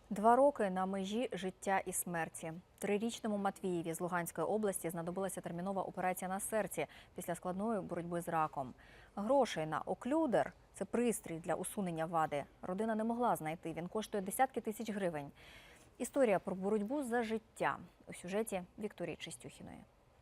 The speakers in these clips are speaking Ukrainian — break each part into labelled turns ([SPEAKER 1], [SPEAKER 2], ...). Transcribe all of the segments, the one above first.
[SPEAKER 1] 2 роки на межі життя і смерті. 3-річному Матвієві з Луганської області знадобилася термінова операція на серці після складної боротьби з раком. Грошей на оклюдер – це пристрій для усунення вади. Родина не могла знайти, він коштує десятки тисяч гривень. Історія про боротьбу за життя у сюжеті Вікторії Чистюхіної.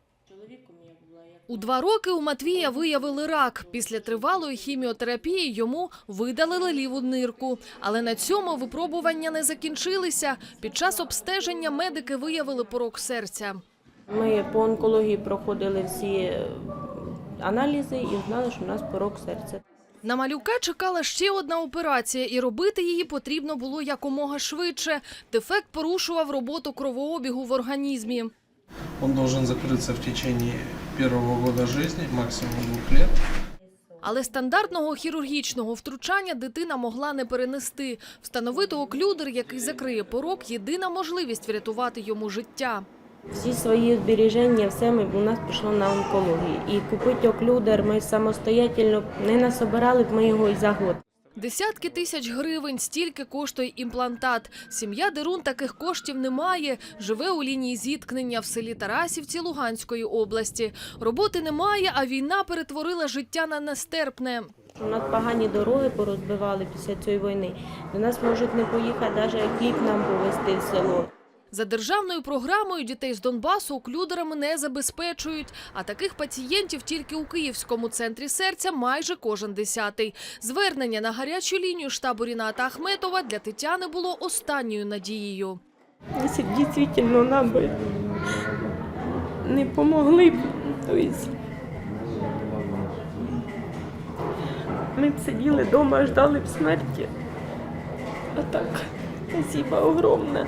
[SPEAKER 2] У 2 роки у Матвія виявили рак. Після тривалої хіміотерапії йому видалили ліву нирку. Але на цьому випробування не закінчилися. Під час обстеження медики виявили порок серця.
[SPEAKER 3] Ми по онкології проходили всі аналізи і знали, що у нас порок серця.
[SPEAKER 2] На малюка чекала ще одна операція, і робити її потрібно було якомога швидше. Дефект порушував роботу кровообігу в організмі.
[SPEAKER 4] Он должен закрыться в течение первого года жизни, максимум 2 лет.
[SPEAKER 2] Але стандартного хірургічного втручання дитина могла не перенести. Встановити оклюдер, який закриє порок – єдина можливість врятувати йому життя.
[SPEAKER 3] Всі свої збереження, все у нас пішло на онкологію. І купити оклюдер ми самостійно не насобирали б ми його і за год.
[SPEAKER 2] Десятки тисяч гривень – стільки коштує імплантат. Сім'я Дерун таких коштів не має. Живе у лінії зіткнення в селі Тарасівці Луганської області. Роботи немає, а війна перетворила життя на нестерпне.
[SPEAKER 3] У нас погані дороги порозбивали після цієї війни. До нас можуть не поїхати, навіть хліб нам повезти в село.
[SPEAKER 2] За державною програмою дітей з Донбасу оклюдерами не забезпечують. А таких пацієнтів тільки у Київському центрі серця майже кожен 10-й. Звернення на гарячу лінію штабу Ріната Ахметова для Тетяни було останньою надією.
[SPEAKER 3] Якщо б дійсно нам би не допомогли, то ми б сиділи вдома, ждали б смерті. А так, спасибо огромне.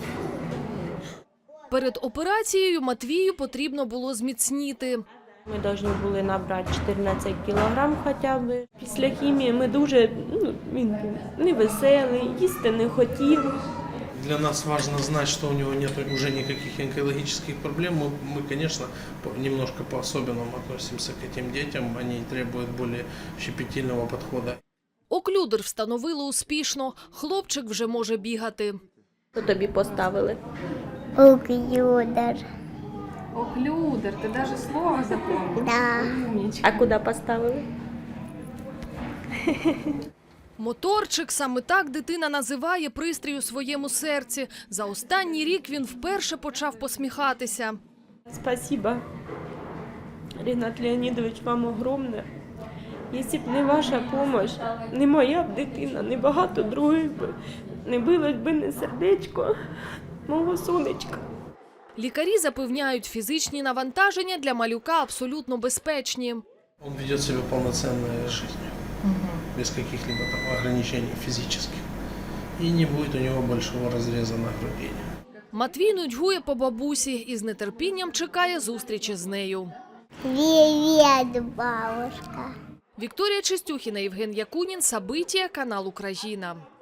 [SPEAKER 2] Перед операцією Матвію потрібно було зміцніти.
[SPEAKER 3] Ми повинні були набрати 14 кілограм хоча б. Після хімії ми дуже, він був невеселий, їсти не хотів.
[SPEAKER 4] Для нас важно знать, что у него нет уже никаких онкологических проблем. Мы, конечно, немножко по-особенному относимся к этим детям. Они требуют более щепетильного подхода.
[SPEAKER 2] Оклюдер встановили успішно. Хлопчик вже може бігати.
[SPEAKER 3] Що тобі поставили?
[SPEAKER 5] Оклюдер.
[SPEAKER 6] Оклюдер, ты даже слово запомнил?
[SPEAKER 5] Да.
[SPEAKER 6] Умничка.
[SPEAKER 3] А куди поставили?
[SPEAKER 2] Моторчик – саме так дитина називає пристрій у своєму серці. За останній рік він вперше почав посміхатися.
[SPEAKER 3] Спасибо, Рінат Леонідович, вам огромне. Якщо б не ваша допомога, не моя б дитина, не багато других би, не билось би не сердечко мого сонечка.
[SPEAKER 2] Лікарі запевняють, фізичні навантаження для малюка абсолютно безпечні.
[SPEAKER 4] Он ведет себя полноценной жизнью, без каких-либо там ограничений физических. И не будет у него большого разреза на груди.
[SPEAKER 2] Матвій нудьгує по бабусі і з нетерпінням чекає зустрічі з нею.
[SPEAKER 5] Привет, бабушка.
[SPEAKER 2] Вікторія Чистюхіна, Євген Якунін, Сабитія, канал Україна.